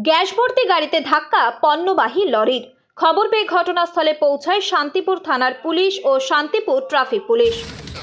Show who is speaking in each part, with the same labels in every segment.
Speaker 1: Gas ভর্তি গাড়িতে ধাক্কা পণ্যবাহী লরির। খবর পেয়ে ঘটনাস্থলে পৌঁছায় শান্তিপুর থানার পুলিশ ও Shantipur traffic police.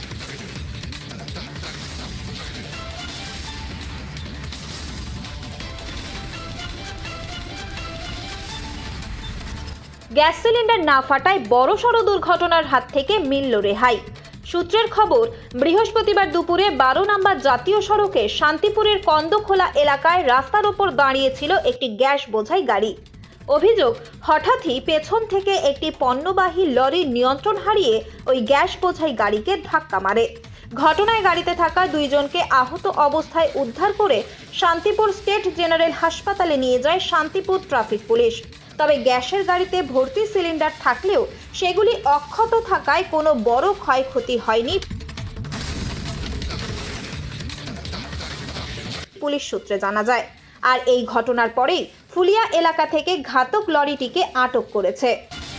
Speaker 1: Gas cylinder না ফাটায় বড়সড় দুর্ঘটনার হাত থেকে মিলল রেহাই। সূত্রের খবর, বৃহস্পতিবার দুপুরে 12 নম্বর জাতীয় সড়কে শান্তিপুরের কন্দখোলা এলাকায় রাস্তার ওপর দাঁড়িয়েছিল একটি গ্যাস বোঝাই গাড়ি। অভিযোগ, হঠাৎই পেছন থেকে একটি পণ্যবাহী লরি নিয়ন্ত্রণ হারিয়ে ওই গ্যাস বোঝাই গাড়িকে ধাক্কা মারে। ঘটনায় গাড়িতে থাকা দুইজনকে আহত অবস্থায় উদ্ধার করে শান্তিপুর স্টেট জেনারেল হাসপাতালে নিয়ে যায় শান্তিপুর ট্রাফিক পুলিশ। তবে গ্যাসের গাড়িতে ভর্তি সিলিন্ডার থাকলেও সেগুলি অক্ষত থাকায় কোনো বড় ক্ষয়ক্ষতি হয়নি পুলিশ সূত্রে জানা যায়। আর এই ঘটনার পরেই ফুলিয়া এলাকা থেকে ঘাতক লরিটিকে আটক করেছে।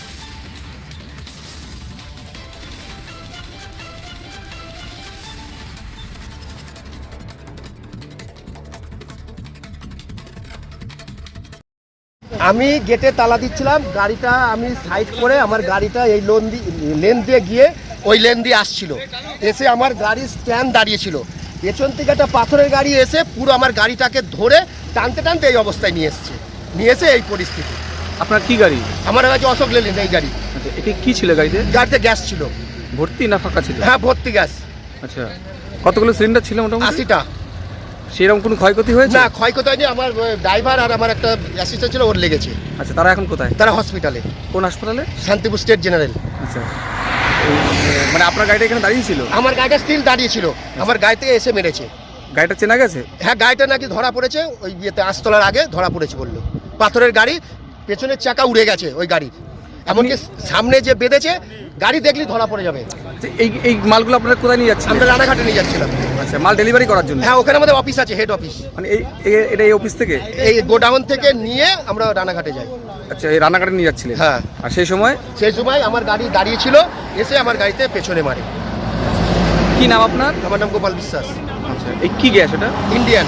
Speaker 2: আমি গেটে তালা দিচ্ছিলাম, গাড়িটা আমি সাইড করে আমার গাড়িটা এই লেন দিয়ে গিয়ে ওই লেন দিয়ে আসছিল, এসে আমার গাড়ি স্ট্যান্ড দাঁড়িয়েছিল। পেছন থেকে একটা পাথরের গাড়ি এসে পুরো আমার গাড়িটাকে ধরে টানতে টানতে এই অবস্থায় নিয়ে এসে এই পরিস্থিতি।
Speaker 3: আপনার কি গাড়ি?
Speaker 2: আমার কাছে অশোক লেলেন এই গাড়ি।
Speaker 3: আচ্ছা, এটা কি ছিল গাড়িতে?
Speaker 2: গাড়িতে গ্যাস ছিল।
Speaker 3: ভর্তি না ফাঁকা ছিল?
Speaker 2: হ্যাঁ, ভর্তি গ্যাস।
Speaker 3: আচ্ছা, কতগুলো সিলিন্ডার ছিল মোটামুটি?
Speaker 2: 80টা।
Speaker 3: সেরকম কোনো ক্ষয়ক্ষতি হয়েছে?
Speaker 2: না, ক্ষয়ক্ষতি হয়নি। আমার ড্রাইভার আর আমার একটা অ্যাসিস্ট্যান্ট ছিল, ওর লেগেছে।
Speaker 3: আচ্ছা, তারা এখন কোথায়?
Speaker 2: তারা হসপিটালে।
Speaker 3: কোন হাসপাতালে?
Speaker 2: Shantipur state general.
Speaker 3: আচ্ছা, মানে আপনার গাড়িটা এখানে দাঁড়িয়ে ছিল?
Speaker 2: আমার গাড়িটা স্টিল দাঁড়িয়ে ছিল, আমার গাড়ি থেকে এসে মেরেছে।
Speaker 3: গাড়িটা চেনা গেছে?
Speaker 2: হ্যাঁ, গাড়িটা নাকি ধরা পড়েছে ওই ইয়েতে, আস্তলার আগে ধরা পড়েছে বললো। পাথরের গাড়ি, পেছনের চাকা উড়ে গেছে ওই গাড়ির, এমনকি সামনে যে বেঁধেছে গাড়ি দেখলি ধরা পড়ে যাবে।
Speaker 3: এই মালগুলো আপনারা কোথায় নিয়ে যাচ্ছেন?
Speaker 2: আমরা রানাঘাটে নিয়ে যাচ্ছিলাম।
Speaker 3: আচ্ছা, মাল ডেলিভারি করার জন্য?
Speaker 2: হ্যাঁ, ওখানে আমাদের অফিস আছে, হেড অফিস।
Speaker 3: মানে এটা এই অফিস থেকে?
Speaker 2: এই গোডাউন থেকে নিয়ে আমরা রানাঘাটে যাই।
Speaker 3: আচ্ছা, এই রান্নাঘাটে নিয়ে যাচ্ছিলেন?
Speaker 2: হ্যাঁ।
Speaker 3: আর সেই সময়
Speaker 2: আমার গাড়ি দাঁড়িয়ে ছিল, এসে আমার গাড়িতে পেছনে মারে।
Speaker 3: কি নাম আপনার?
Speaker 2: আমার নাম গোপাল বিশ্বাস।
Speaker 3: আচ্ছা, এই কি গ্যাস এটা?
Speaker 2: ইন্ডিয়ান।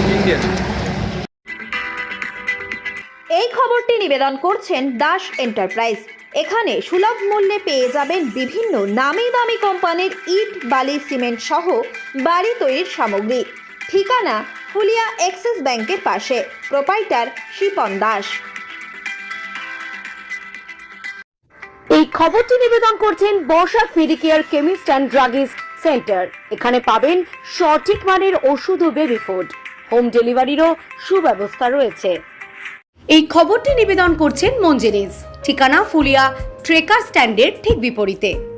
Speaker 1: এই খবরটি নিবেদন করছেন দাস এন্টারপ্রাইজ। এখানে সুলভ মূল্যে পেয়ে যাবেন বিভিন্ন নামি দামি কোম্পানির ইট, বালি, সিমেন্ট সহ বাড়ি তৈরির সামগ্রী। ঠিকানা ফুলিয়া এক্সিস ব্যাংকের পাশে। প্রোপাইটার শিপন দাস।
Speaker 4: এই খবরটি নিবেদন করছেন বর্ষাক Medicare chemist and druggist centre. এখানে পাবেন সঠিক মানের ওষুধ ও বেবি ফুড। হোম ডেলিভারিরও সুব্যবস্থা রয়েছে। এই খবরটি নিবেদন করছেন মঞ্জেরিজ। ঠিকানা ফুলিয়া ট্রেকার স্ট্যান্ডের ঠিক বিপরীতে।